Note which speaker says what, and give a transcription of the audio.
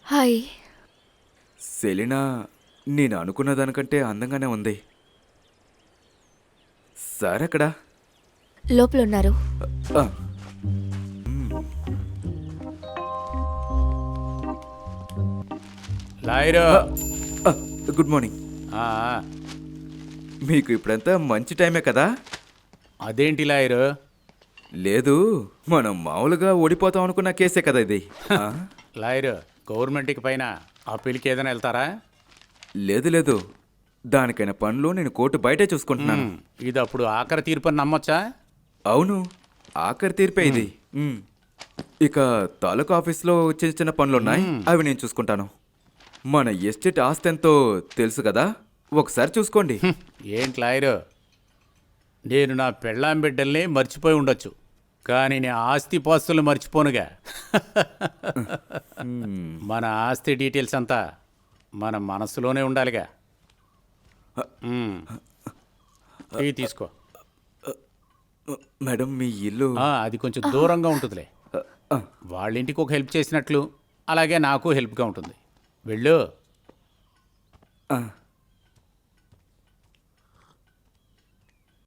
Speaker 1: Hi.
Speaker 2: Selena నేను అనుకున్న దానికంటే అందంగానే ఉంది. సార్ ఎక్కడా?
Speaker 1: లోపలున్నారు.
Speaker 2: ఆ,
Speaker 3: లాయరు
Speaker 2: ఆ, గుడ్ మార్నింగ్.
Speaker 3: ఆ,
Speaker 2: మీకు ఇప్పుడంతా మంచి టైమే కదా?
Speaker 3: అదేంటి లాయరు?
Speaker 2: లేదు, మనం మామూలుగా ఓడిపోతాం అనుకున్న కేసే కదా ఇది. ఆ,
Speaker 3: లాయరు గవర్నమెంట్కి పైన అప్పీల్కి ఏదైనా వెళ్తారా?
Speaker 2: లేదు లేదు, దానికైన పనులు నేను కోర్టు బయటే చూసుకుంటున్నాను.
Speaker 3: ఇది అప్పుడు ఆఖరి తీర్పు అని నమ్మొచ్చా?
Speaker 2: అవును, ఆఖరి తీర్పే ఇది. ఇక తాలూకా ఆఫీస్లో చిన్న చిన్న పనులున్నాయి, అవి నేను చూసుకుంటాను. మన ఎస్టేట్ ఆస్తి ఎంతో తెలుసు కదా, ఒకసారి చూసుకోండి.
Speaker 3: ఏంటి లాయరు, నేను నా పెళ్ళాం బిడ్డల్ని మర్చిపోయి ఉండొచ్చు, కానీ నేను ఆస్తి పాస్తులు మర్చిపోనుగా. మన ఆస్తి డీటెయిల్స్ అంతా మన మనసులోనే ఉండాలిగా. ఇవి తీసుకో.
Speaker 2: మేడం మీ ఇల్లు
Speaker 3: అది కొంచెం దూరంగా ఉంటుందిలే. వాళ్ళ ఇంటికి ఒక హెల్ప్ చేసినట్లు అలాగే నాకు హెల్ప్గా ఉంటుంది. వెళ్ళు.
Speaker 2: ఆ,